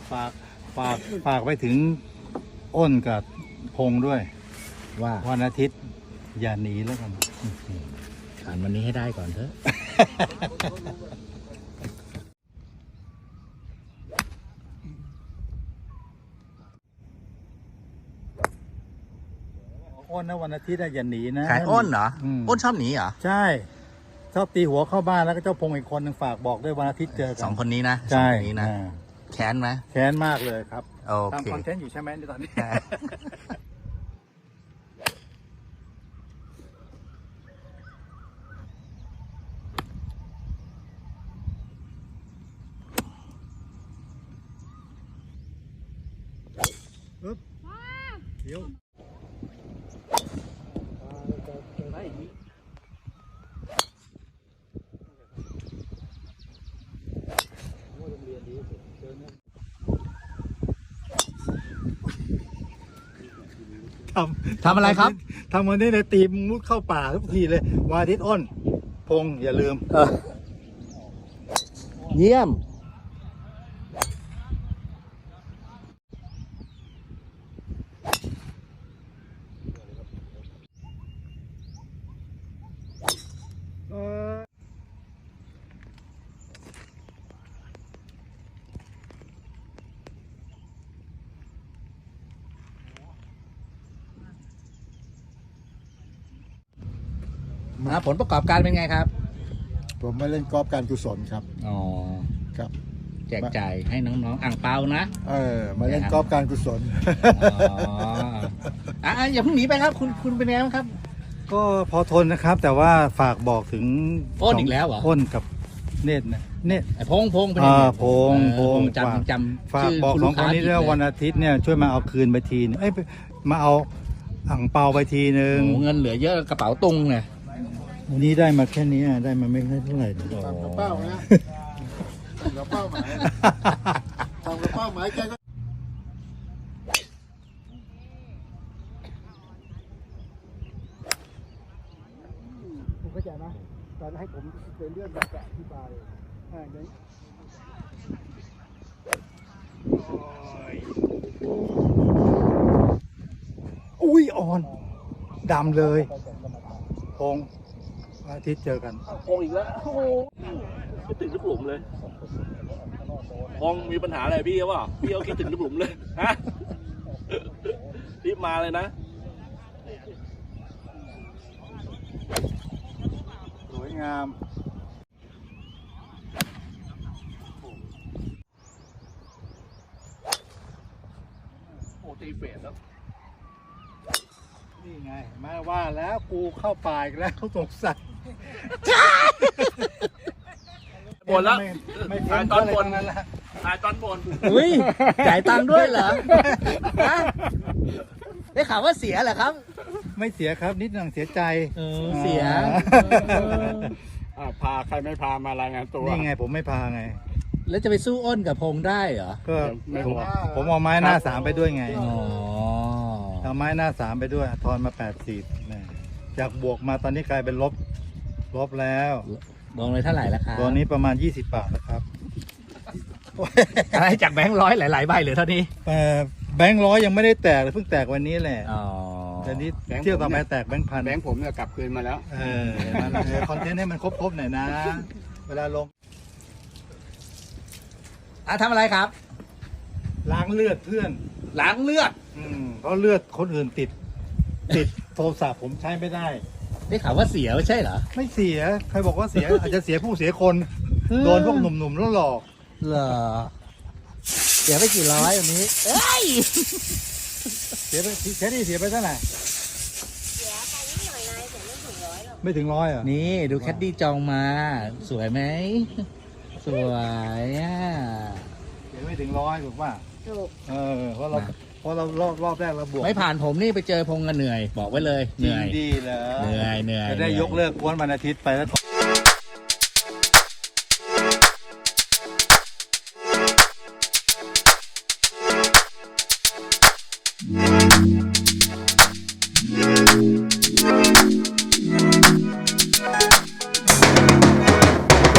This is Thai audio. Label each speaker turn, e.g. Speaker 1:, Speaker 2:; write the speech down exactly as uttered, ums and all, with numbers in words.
Speaker 1: ฝากฝากฝากไปถึงอ้นกับพงด้วย
Speaker 2: ว่า
Speaker 1: วันอาทิตย์อย่าหนีแล้วกัน
Speaker 2: ผ่านวันนี้ให้ได้ก่อนเถอะ
Speaker 1: อ้นนะวันอาทิตย์อย่าหนีนะ
Speaker 2: ขายอ้นเหรออ้นชอบหนีเหรอ
Speaker 1: ใช่ชอบตีหัวเข้าบ้านแล้วก็เจ้าพงอีกคนหนึ่งฝากบอกด้วยวันอาทิตย์เจอกัน
Speaker 2: สองคนนี้นะ
Speaker 1: ใช่
Speaker 2: นี้นะแค้นไหม
Speaker 1: แค้นมากเลยครับ
Speaker 2: โอเค
Speaker 1: ทำคอนเทนต์อยู่ใช่ไหมในตอนนี้ปึ๊บเดี๋ยวทำ
Speaker 2: ทำอะไรครับ
Speaker 1: ทำวันนี้เลยตีมุดเข้าป่าทุกทีเลยวันอาทิตย์อ้นพงอย่าลืม
Speaker 2: เยี่ยมผลประกอบการเป็นไงครับ
Speaker 1: ผมมาเล่นกอล์ฟการกุศลครับ
Speaker 2: อ๋อ
Speaker 1: ครับ
Speaker 2: แจกจ่ายให้น้องๆอ่างเปานะ
Speaker 1: เออมาเล่นกอล์ฟการกุศล
Speaker 2: อ๋ออ่ะอย่าเพิ่งหนีไปครับคุณคุณเป็นไงบ้างครับ
Speaker 1: ก็พอทนนะครับแต่ว่าฝากบอกถึง
Speaker 2: อ้นอีกแล้วเหรอ
Speaker 1: อ้นกับเนตรนะเนตร
Speaker 2: ไอ้พงพง
Speaker 1: เป็นไงพงพง
Speaker 2: จำจำ
Speaker 1: ฝากบอกสองคนนี้ด้วยวันอาทิตย์เนี่ยช่วยมาเอาคืนไปทีนึงเอ้ยมาเอาอ่างเปาไปทีนึง
Speaker 2: เงินเหลือเยอะกระเป๋าตุงเนี่ย
Speaker 1: วันนี้ได้มาแค่นี้ได้มาไม่เท่าไหร่ตามกระเป๋านะตามกระเป๋าหมายตามกระเป๋าหมายแกก็คุณเข้าใจไหมตอนให้ผมเป็นเรื่องแบบอธิบายอ่าอย่างนี้อุ้ยอ่อนดำเลยพงอาทิตย์เจอกัน
Speaker 3: พงอีกแล้วโอ้โหคิดถึงลูกหลุมเลยพงมีปัญหาอะไรพี่เขาเปล่าพี่เขาคิดถึงลูกหลุมเลยฮะรีบมาเลยนะ
Speaker 1: สวยงาม
Speaker 3: โอ้ตีเฟสแล้ว
Speaker 1: นี่ไงมาว่าแล้วกูเข้าป่าอีกแล้วสงสัย
Speaker 3: บนแล้วถ่ายตอนบน
Speaker 1: นั่นแหละ
Speaker 3: ถ่ายตอนบน
Speaker 2: อุ้ยจ่ายตังค์ด้วยเหรอได้ข่าวว่าเสียเหรอครับ
Speaker 1: ไม่เสียครับนิดหน่อยเสียใจ
Speaker 2: เออเสีย
Speaker 3: พาใครไม่พามารายงานตัว
Speaker 1: นี่ไงผมไม่พาไง
Speaker 2: แล้วจะไปสู้อ้นกับพงได้เหรอ
Speaker 1: ก็ผมเอาไม้หน้าสามไปด้วยไง
Speaker 2: อ๋อ
Speaker 1: เอาไม้หน้าสามไปด้วยทอนมาแปดสิบจากบวกมาตอนนี้กลายเป็นลบลบแล้ว
Speaker 2: ลงเลยเท่าไหร่แล้วครับ
Speaker 1: ตอนนี้ประมาณยี่สิบบาทแล้วครับ
Speaker 2: อะไรจากแบงค์ร้อยหลายๆใบเหลือเท่านี้
Speaker 1: แบงค์ร้อยยังไม่ได้แตกเลยเพิ่งแตกวันนี้แหละ
Speaker 2: อ๋อ
Speaker 1: แต่นี้เที่ยวต่อไปแตกแบงค์พัน
Speaker 3: แบงค์ผมเนี่ยกลับคืนมาแล้ว
Speaker 1: เออคอนเทนต์ให้มันครบๆหน่อยนะเวลาลง
Speaker 2: อ่ะทำอะไรครับ
Speaker 1: ล้างเลือดเพื่อน
Speaker 2: ล้างเลือด
Speaker 1: อืมเพราะเลือดคนอื่นติดติดโทรศัพท์ผมใช้ไม่ได้
Speaker 2: ได้ข่าวว่าเสียไม่ใช่เหรอ
Speaker 1: ไม่เสียใครบอกว่าเสีย อาจจะเสียผู้เสียคนโดนพวกหนุ่มๆแล้วหลอก
Speaker 2: เหรอเสียไปกี่ร้อยวันนี้เอ้ย
Speaker 1: เสียไปแค่นี้เสียไปเท่าไหร่
Speaker 4: เสียไปนิดหน่อยนายแต่ไม่ถึงร้อยหรอก
Speaker 1: ไม่ถึงร้อยอ่ะ
Speaker 2: นี่ดูแคดดี้จองมาสวยไหมสวยอ่ะ
Speaker 1: เสียไม่ถึงร้อยถูกป่ะ
Speaker 4: ถูก
Speaker 1: เออเพราะเราเพราะเรารอบรอบแรกเราบวก
Speaker 2: ไม่ผ่านผมนี่ไปเจอพงกันเหนื่อยบอกไว้เลยเหนื่อย
Speaker 1: ดีเหรอ
Speaker 2: เหนื่อยเหนื่อย
Speaker 1: จะได้ยกเลิกกวนวันอาทิตย์ไปแล้ว